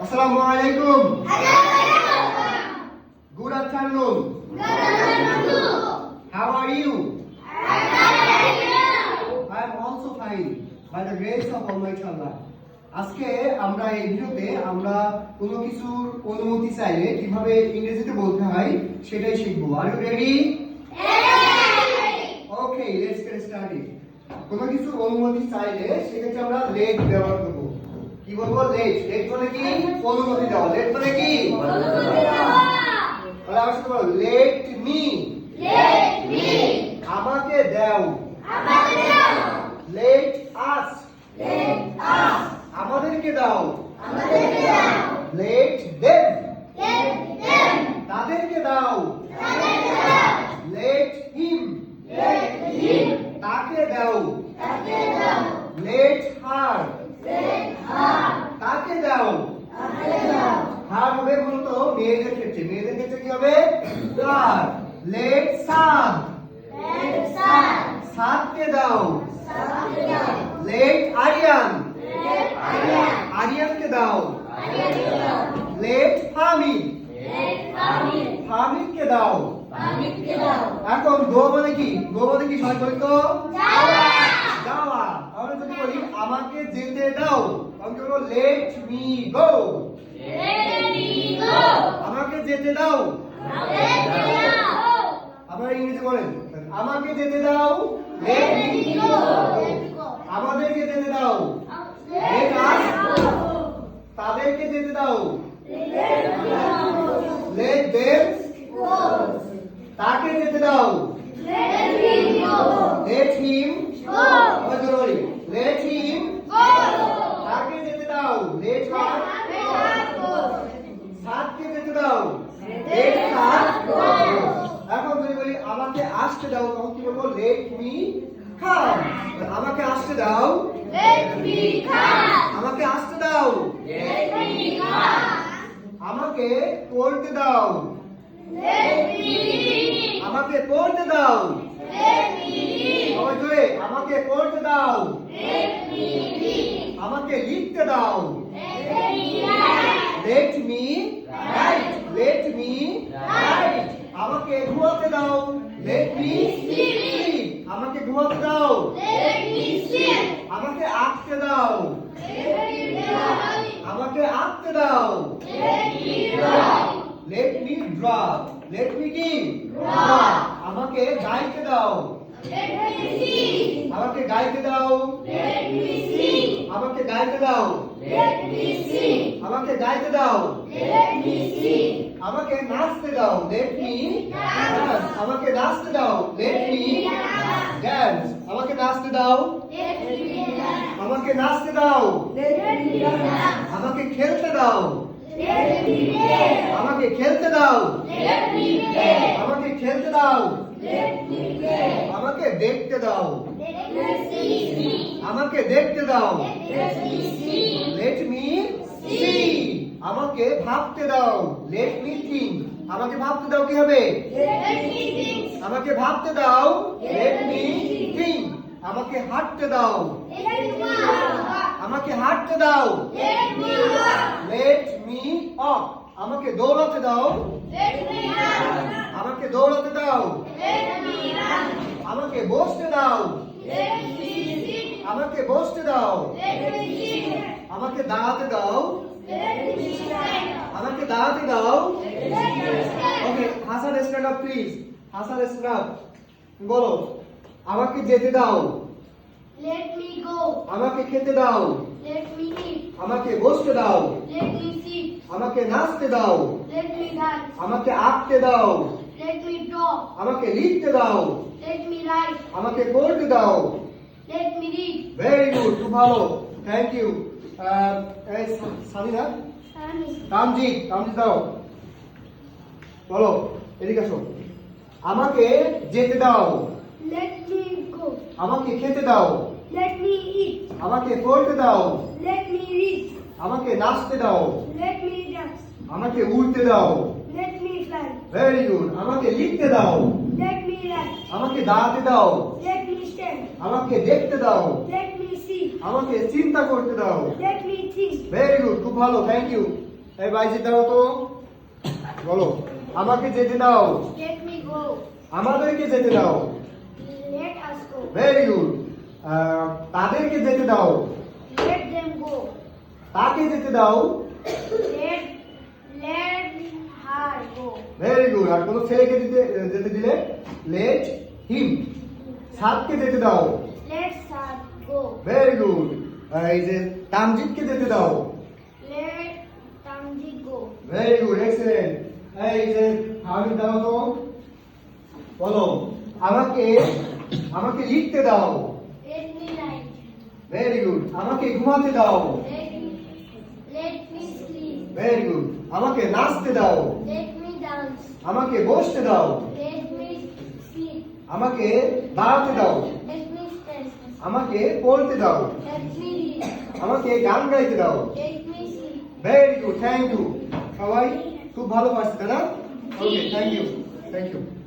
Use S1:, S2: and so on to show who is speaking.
S1: Assalamualaikum. Good afternoon. How are you? I am also fine by the grace of Almighty Allah. আজকে আমরা এই ভিডিওতে আমরা কোনো কিছুর অনুমতি চাইলে কিভাবে ইংরেজিতে বলতে হয় সেটাই শিখবো। Are you ready? Okay, let's get started. কোনো কিছু অনুমতি চাইলে সেক্ষেত্রে আমরা let ব্যবহার করব। কি বলবো? let মানে কি? অনুমতি দেওয়া। let মানে কি? অনুমতি দেওয়া। তাহলে আমরা শুরু করব let me আমাকে দাও। let us আমাদেরকে দাও। let them তাদেরকে দাও। let him তাকে দাও। let her তাকে দাও। হার হবে মূলত মেয়েদের ক্ষেত্রে। মেয়েদের ক্ষেত্রে কি হবে? হার। let সাদ সাদকে দাও। let আরিয়ান আরিয়ানকে দাও। let ফামিদ ফামিদকে দাও। এখন গো মানে কি? গো মানে কি? সবাই বলি তো যাওয়া। তাহলে যদি বলি আমাকে যেতে দাও তখন কি বলবো? let me go আমাকে যেতে দাও। আপনারা ইংরেজি বলেন আমাকে যেতে দাও। let me go আমাদেরকে যেতে দাও। let us তাদেরকে যেতে দাও। let them তাকে যেতে দাও। let him let him তাকে যেতে দাও। let her সাদকে যেতে দাও। let her এখন যদি বলি আমাকে আসতে দাও তখন কি বলবো? let me come আমাকে আসতে দাও। আমাকে আসতে দাও। আমাকে পড়তে দাও। আমাকে পড়তে দাও। আমাকে পড়তে দাও। আমাকে লিখতে দাও। let me write let me write আমাকে ঘুমাতে দাও। let me sleep আমাকে ঘুমাতে দাও। আমাকে আঁকতে দাও। আমাকে আঁকতে দাও। let me draw let me কি? draw আমাকে গাইতে দাও। আমাকে গাইতে দাও। আমাকে গাইতে দাও। আমাকে গাইতে দাও। আমাকে নাচতে দাও। let me dance আমাকে নাচতে দাও। let me dance আমাকে নাচতে দাও। আমাকে নাচতে দাও। আমাকে খেলতে দাও। আমাকে খেলতে দাও। আমাকে খেলতে দাও। আমাকে দেখতে দাও। আমাকে দেখতে দাও। let me see আমাকে ভাবতে দাও। let me think আমাকে ভাবতে দাও। কি হবে? আমাকে ভাবতে দাও। let me think আমাকে হাঁটতে দাও। আমাকে হাঁটতে দাও। let me walk আমাকে দৌড়াতে দাও। আমাকে দৌড়াতে দাও। আমাকে বসতে দাও। আমাকে বসতে দাও। আমাকে দাঁড়াতে দাও। আমাকে দাঁড়াতে দাও। Okay Hasan stand up please. Hasan stand up বলো আমাকে যেতে দাও।
S2: let me go
S1: আমাকে খেতে দাও।
S2: let me eat
S1: আমাকে বসতে দাও।
S2: let me sit
S1: আমাকে নাচতে দাও।
S2: let me dance
S1: আমাকে আঁকতে দাও।
S2: let me draw
S1: আমাকে লিখতে দাও।
S2: let me write
S1: আমাকে পড়তে দাও।
S2: let me read
S1: very good খুব ভালো থ্যাংক ইউ। সানিনা তামজিৎ দাও বলো এদিকে আসো। আমাকে যেতে দাও।
S2: let me go
S1: আমাকে খেতে দাও।
S2: let me eat
S1: আমাকে পড়তে দাও।
S2: let me read
S1: আমাকে নাচতে দাও।
S2: let me dance
S1: আমাকে উড়তে দাও।
S2: let me fly
S1: very good আমাকে লিখতে দাও।
S2: let me write
S1: আমাকে দাঁড়াতে দাও।
S2: let me stand
S1: আমাকে দেখতে দাও।
S2: let me see
S1: আমাকে চিন্তা করতে দাও।
S2: let me think
S1: very good খুব ভালো থ্যাংক ইউ। এই বাইজি দাও তো, বলো আমাকে যেতে দাও,
S2: Let me go.
S1: আমাদেরকে যেতে দাও,
S2: Let us go.
S1: Very good. তাদেরকে যেতে দাও,
S2: Let them go.
S1: তাকে যেতে দাও,
S2: Let her go.
S1: Very good. আর কোন ছেলেকে যেতে দিলে লেট হিম। সাতকে যেতে দাও,
S2: Let her go.
S1: Very good. এই যে তামজিদকে যেতে দাও,
S2: Let Tamji go.
S1: Very good, excellent. এই যে আমি দাও তো, বলো আমাকে আমাকে লিখতে দাও,
S2: Let me write.
S1: Very good. আমাকে ঘুমাতে দাও,
S2: Let me sleep.
S1: Very good. আমাকে নাচতে দাও,
S2: Let me dance.
S1: আমাকে বসতে দাও,
S2: Let me sleep.
S1: আমাকে দাঁড়াতে দাও,
S2: Let me stand.
S1: আমাকে পড়তে দাও,
S2: Let me read.
S1: আমাকে গান গাইতে দাও।
S2: Let me sing.
S1: Very good, thank you. সবাই খুব ভালো পারছে, তাই না? Okay, thank you, thank you.